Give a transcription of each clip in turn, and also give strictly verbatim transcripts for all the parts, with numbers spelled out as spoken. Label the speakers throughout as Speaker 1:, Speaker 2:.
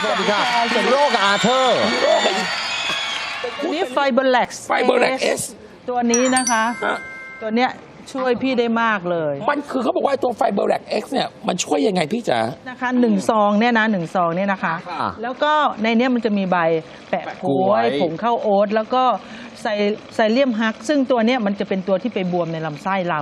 Speaker 1: สวัสดีค่ะโรคอาเธอร์
Speaker 2: นี่ไฟเบอร์แล็กซ์
Speaker 3: ไฟเบอร์แล็กเอส
Speaker 2: ตัวนี้นะคะ ตัวเนี้ยช่วยพี่ได้มากเลย
Speaker 3: มันคือเขาบอกว่าตัวไฟเบอร์แล็กเอ็กซ์เนี่ยมันช่วยยังไงพี่จ๋า
Speaker 2: นะคะหนึ่งซองเนี่ยนะหนึ่งซองเนี่ยนะคะ แล้วก็ในเนี้ยมันจะมีใบแปะกล้วยผงข้าวโอ๊ตแล้วก็ไซไซเลียมฮัก ซึ่งตัวเนี้ยมันจะเป็นตัวที่ไปบวมในลำไส้เรา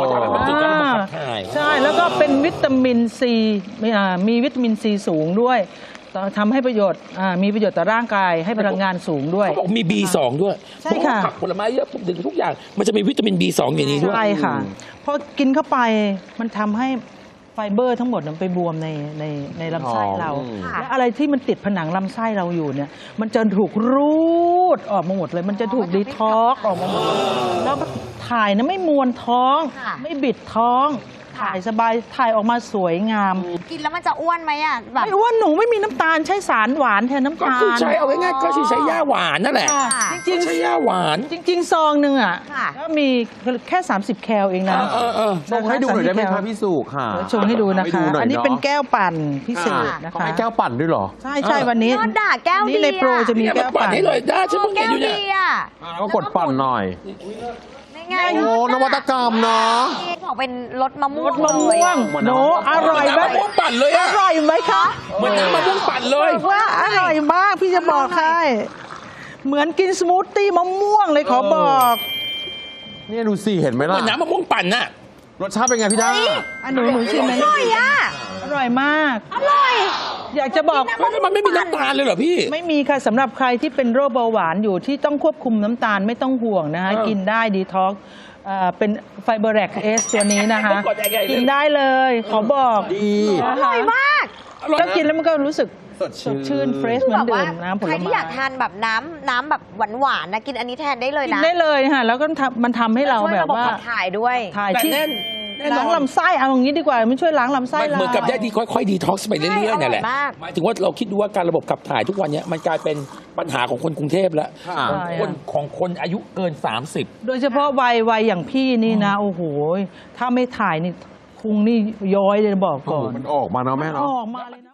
Speaker 2: ใช่แล้วก็เป็นวิตามินซีมีวิตามินซีสูงด้วยทำให้ประโยชน์มีประโยชน์ต่อร่างกายให้พลังงานสูงด้วย
Speaker 3: เขาบอกมี บี สอง ด้วย
Speaker 2: ใช่ค่ะ
Speaker 3: ผักผลไม้เยอะถึงทุกอย่างมันจะมีวิตามิน บี สอง อย่างนี้ด้วย
Speaker 2: ใช่ค่ะพอกินเข้าไปมันทำให้ไฟเบอร์ทั้งหมดมันไปบวมในในในลำไส้เราและอะไรที่มันติดผนังลำไส้เราอยู่เนี่ยมันจะถูกรูดออกมาหมดเลยมันจะถูกดีท็อกออกมาหมดแล้วก็ถ่ายนะไม่มวนท้องไม่บิดท้องถ่ายสบายถ่ายออกมาสวยงาม
Speaker 4: กินแล้วมันจะอ้วนไหมอ่ะแบบ
Speaker 2: ไม่อ้วนหนูไม่มีน้ำตาลใช้สารหวานแทนน้ำตาล
Speaker 3: ก็คือใช้เอาง่ายๆก็คือใช้ย่าหวานนั่นแหละ
Speaker 2: จริงๆ
Speaker 3: ใช้ย่าหวาน
Speaker 2: จริงๆซองหนึ่งอ่ะก็มีแค่สามสิบแคลเองนะ
Speaker 1: ชงให้ดูหน่อยได้ไหมคะพี่สุค่ะ
Speaker 2: ชงให้ดูนะคะอันนี้เป็นแก้วปั่นพิเศษนะคะ
Speaker 1: ให้แก้วปั่นด้วยหรอ
Speaker 2: ใช่ใช่วันนี้
Speaker 4: ยอดด่าแก้วดี
Speaker 2: นี่ในโปรจะมีแก้วปั่น
Speaker 3: ให้เลยได้ฉันเพิ่งเห็นอยู่เนี่ย
Speaker 1: แล้วก็กดปั่นหน่อย
Speaker 4: ง่าย
Speaker 1: โอ้นวัตกรรมเนาะ
Speaker 4: บอกเป็นรสมะม่วง
Speaker 2: รสมะม่วงโนอร่อยไหม
Speaker 3: มะม่วงปั่นเลย
Speaker 2: อ
Speaker 3: อะ
Speaker 2: ร่อยไหมคะ
Speaker 3: เหมือนน้ำมะม่วงปั่นเลย
Speaker 2: ว่าอร่อยมากพี่จะบอกให้เหมือนกินสมูทตี้มะม่วงเลยขอบอก
Speaker 1: นี่ดูสิเห็นไหมล่ะ
Speaker 3: เหมือนน้ำมะม่วงปั่นน่ะ
Speaker 1: รสชาติเป็นไงพี่ด้า
Speaker 2: อันหนูหนูชิมไหม
Speaker 4: อร่อยอ่ะ
Speaker 2: อร่อยมาก
Speaker 4: อร่อย
Speaker 2: อยากจะบอก
Speaker 3: มันไม่มีน้ำตาลเลยเหรอพี่
Speaker 2: ไม่มีค่ะสำหรับใครที่เป็นโรคเบาหวานอยู่ที่ต้องควบคุมน้ำตาลไม่ต้องห่วงนะคะกินได้ดีท็อกเป็นไฟเบอร์แล็กเอสตัวนี้นะคะกินได้เลยขอบอก
Speaker 1: ดี
Speaker 4: อร่อยมาก
Speaker 2: แล้วกินแล้วมันก็รู้สึกสดชื่นเฟรชเหมือนเดิมน้ำผลไม้
Speaker 4: ใครที่อยากทานแบบน้ำน้ำแบบหวานๆนะกินอันนี้แทนได้เลยนะ
Speaker 2: กินได้เลยค่ะแล้วก็มันทำให้เราแบบว่า
Speaker 4: ถ่ายด้วย
Speaker 2: ถ่ายที่ล้างลำไส้เอาอย่างนี้ดีกว่ามันช่วยล้างลำไส้เรา
Speaker 3: เหมือนกับได้ดีค่อยๆดีท็อกซ์ไปเรื่อยๆนี่แหละหมายถึงว่าเราคิดดูว่าการระบบขับถ่ายทุกวันนี้มันกลายเป็นปัญหาของคนกรุงเทพแล้วคนของคนอายุเกินสามสิบ
Speaker 2: โดยเฉพาะวัยวัยอย่างพี่นี่นะโอ้โหถ้าไม่ถ่ายนี่พุงนี่ย้อยเลยบอกก่อน
Speaker 1: มันออกมาเนาะแม่เนาะ
Speaker 2: ออกมาเลย